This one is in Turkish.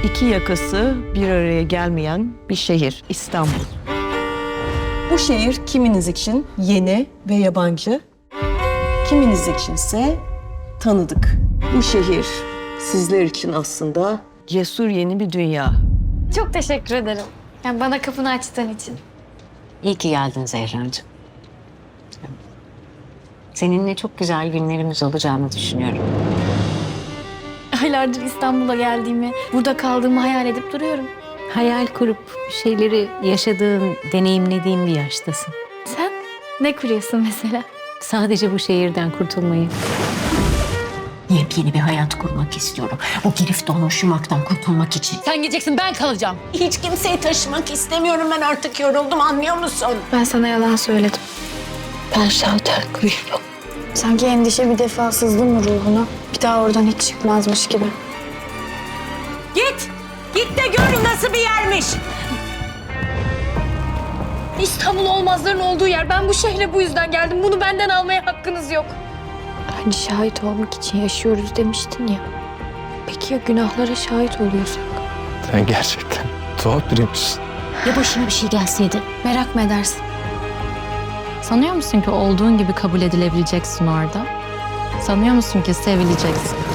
İki yakası bir araya gelmeyen bir şehir, İstanbul. Bu şehir kiminiz için yeni ve yabancı, kiminiz içinse tanıdık. Bu şehir sizler için aslında cesur yeni bir dünya. Çok teşekkür ederim. Yani bana kapını açtığın için. İyi ki geldin Zehracığım. Seninle çok güzel günlerimiz olacağını düşünüyorum. Aylardır İstanbul'a geldiğimi, burada kaldığımı hayal edip duruyorum. Hayal kurup bir şeyleri yaşadığın, deneyimlediğin bir yaştasın. Sen ne kuruyorsun mesela? Sadece bu şehirden kurtulmayı. Yepyeni bir hayat kurmak istiyorum. Bu girif dolaşmaktan kurtulmak için. Sen gideceksin, ben kalacağım. Hiç kimseyi taşımak istemiyorum, ben artık yoruldum, anlıyor musun? Ben sana yalan söyledim. Ben şalter kuruyorum. Sanki endişe bir defa sızdı mı ruhuna? Bir daha oradan hiç çıkmazmış gibi. Git! Git de gör nasıl bir yermiş! İstanbul olmazların olduğu yer. Ben bu şehre bu yüzden geldim. Bunu benden almaya hakkınız yok. Hani şahit olmak için yaşıyoruz demiştin ya. Peki ya günahlara şahit oluyorsak? Sen gerçekten tuhaf biriymişsin. Ya başına bir şey gelseydi? Merak mı edersin? Sanıyor musun ki olduğun gibi kabul edilebileceksin orada? Sanıyor musun ki sevileceksin?